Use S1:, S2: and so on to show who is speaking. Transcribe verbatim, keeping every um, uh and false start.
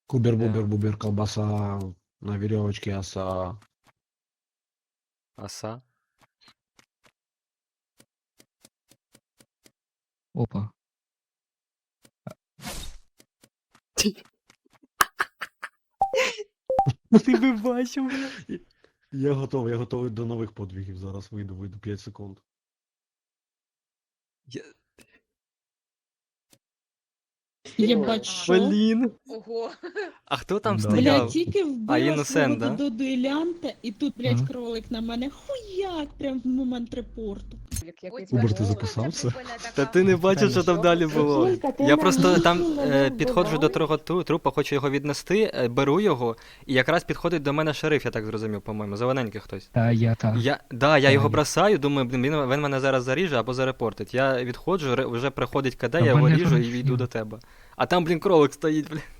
S1: Кубер-бубер-бубер, колбаса на веревочке, оса.
S2: Оса.
S3: Опа.
S2: Ти би бачив, бля.
S1: Я готовий, я готовий до нових подвигів. Зараз вийду, вийду п'ять секунд.
S2: Я...
S4: Єбать, що?
S2: Блін.
S5: Ого.
S2: А хто там
S1: Да.
S2: стояв?
S4: Блядь, тільки
S2: А,
S4: вбила
S2: Іносент,
S4: свого
S2: да?
S4: до дуелянта, і тут, блядь,
S3: Ага.
S4: кролик на мене хуяк, прям в момент репорту.
S1: Убер, ти записався?
S2: Та ти не бачив, що там далі було.
S6: Жулька, ти
S2: Я
S6: на
S2: просто
S6: мене
S2: там
S6: не
S2: е, підходжу до
S6: вбиваєш?
S2: того тру- трупа, хочу його віднести, е, беру його, і якраз підходить до мене шериф, я так зрозумів, по-моєму, зелененький хтось.
S3: Та я та.
S2: Я, да, я
S3: Та,
S2: його
S3: я-
S2: бросаю, думаю, блін, він, він мене зараз заріже або зарепортить. Я відходжу, ре- вже приходить КД,
S3: Та
S2: я його
S3: мене
S2: ріжу і
S3: там
S2: йду
S3: всі.
S2: до тебе. А там, блін, кролик стоїть, блін.